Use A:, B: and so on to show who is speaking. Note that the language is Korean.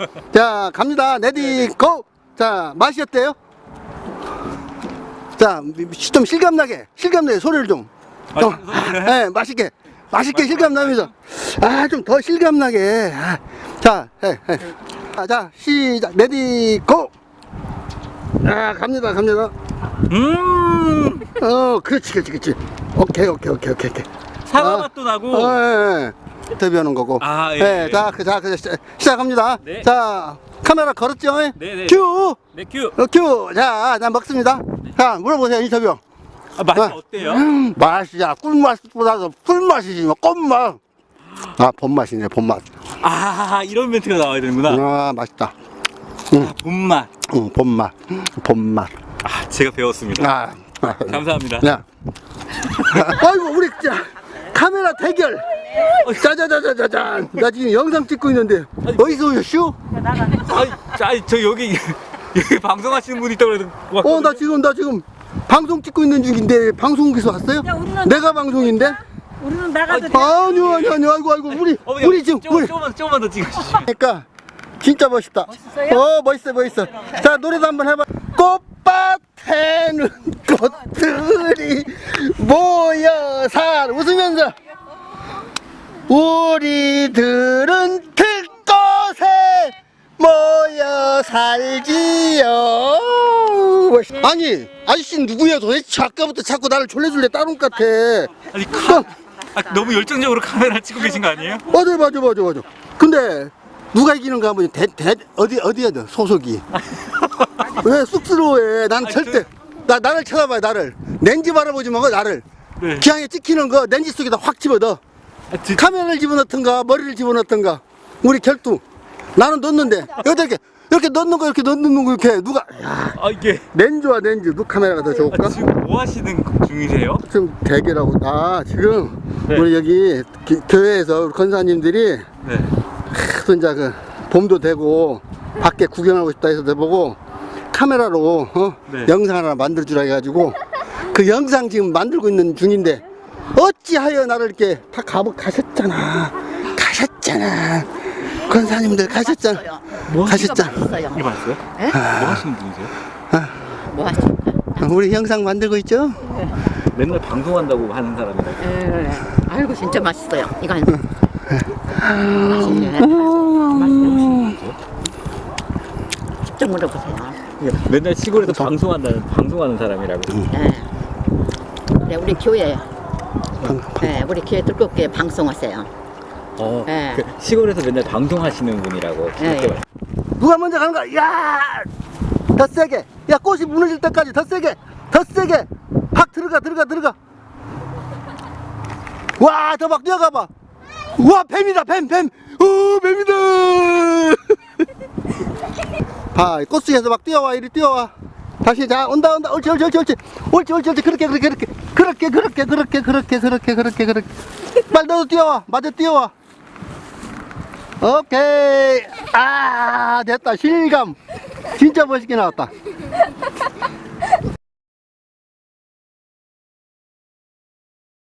A: 자, 갑니다. 레디, 고! 자, 맛이 어때요? 자, 좀 실감나게 소리를 좀. 네, 맛있게 실감나면서. 아, 좀 더 실감나게. 아, 자, 자, 시작. 레디, 고! 아, 갑니다. 그렇지. 오케이.
B: 사과 맛도 나고.
A: 인터뷰하는 거고.
B: 아, 예.
A: 네, 자, 시작합니다.
B: 네.
A: 자, 카메라 걸었죠?
B: 네.
A: 큐!
B: 네, 큐.
A: 큐! 자, 나 먹습니다. 자, 물어보세요, 인터뷰.
B: 아, 맛이 어때요?
A: 맛이야. 꿀맛보다도 풀맛이지, 뭐, 꽃맛. 아, 봄맛이네, 봄맛.
B: 아, 이런 멘트가 나와야 되는구나.
A: 아, 맛있다.
B: 아, 봄맛.
A: 봄맛.
B: 아, 제가 배웠습니다. 감사합니다.
A: 야. 아이고, 우리 진짜 카메라 대결. 짜자자자자잔. 나 지금 영상 찍고 있는데. 어디서 오셨슈?
B: 아니, 저 여기 방송하시는 분이 있다고 그래서.
A: 나 지금 방송 찍고 있는 중인데 방송국에서 왔어요?
C: 야, 우리는
A: 내가 방송인데?
C: 우리는 나가도 돼.
A: 아니요. 아이고, 우리 지금,
B: 조금만 더 찍으시죠.
A: 그러니까 진짜 멋있다.
C: 멋있어요?
A: 멋있어. 자, 노래도 한번 해봐. 꽃밭에는 꽃들이 모여 웃으면서 우리들은 들꽃에 모여 살지요. 아니, 아저씨 누구야 도대체? 아까부터 자꾸 나를 졸래졸래 따른 것 같아.
B: 아니, 너무 열정적으로 카메라 찍고 계신 거 아니에요?
A: 맞아. 근데 누가 이기는가 한번 어디야 너 소속이? 왜 쑥스러워해? 난 절대 나를 쳐다봐요. 나를 렌즈 바라보지 말고 나를.
B: 네.
A: 기왕에 찍히는 거 렌즈 속에다 확 집어넣어. 카메라를 집어넣던가 머리를 집어넣던가 우리 결투. 나는 넣는데 이렇게 넣는 거 이렇게 누가? 야,
B: 이게.
A: 렌즈와 렌즈 누 카메라가 더 좋을까?
B: 지금 뭐 하시는 중이세요?
A: 지금 대결하고 지금
B: 네.
A: 우리 여기 교회에서 우리 권사님들이
B: 네.
A: 이제 그 봄도 되고 밖에 구경하고 싶다 해서 내보고 카메라로
B: 네.
A: 영상 하나 만들 주라 해가지고 그 영상 지금 만들고 있는 중인데 어찌하여 나를 이렇게 다 가셨잖아. 권사님들 가셨잖아. 가셨잖아.
B: 이거 봤어요?
C: 에?
B: 뭐 하시는 분이세요?
C: 뭐 하실까?
A: 우리 영상 만들고 있죠?
B: 맨날 방송한다고 하는 사람이라.
C: 그래. 아이고 진짜 맛있어요. 이건 맛있네. 맛있네. 좀 물어보세요.
B: 맨날 시골에서 방송하는 사람이라고.
C: 네. 네, 우리 교회. 네, 우리 교회 들꽃교회 방송하세요. 네.
B: 그 시골에서 맨날 방송하시는 분이라고.
C: 네.
A: 누가 먼저 가는 거야? 야! 더 세게. 야, 꽃이 무너질 때까지 더 세게. 확 들어가. 와, 더 막 뛰어가봐. 와, 뱀이다, 뱀. 뱀이다. 봐, 꽃 속에서 막 뛰어와, 이리 뛰어와. 다시, 자, 온다. 옳지. 그렇게. 빨리 너도 뛰어와. 맞아, 뛰어와. 오케이. 됐다. 실감. 진짜 멋있게 나왔다.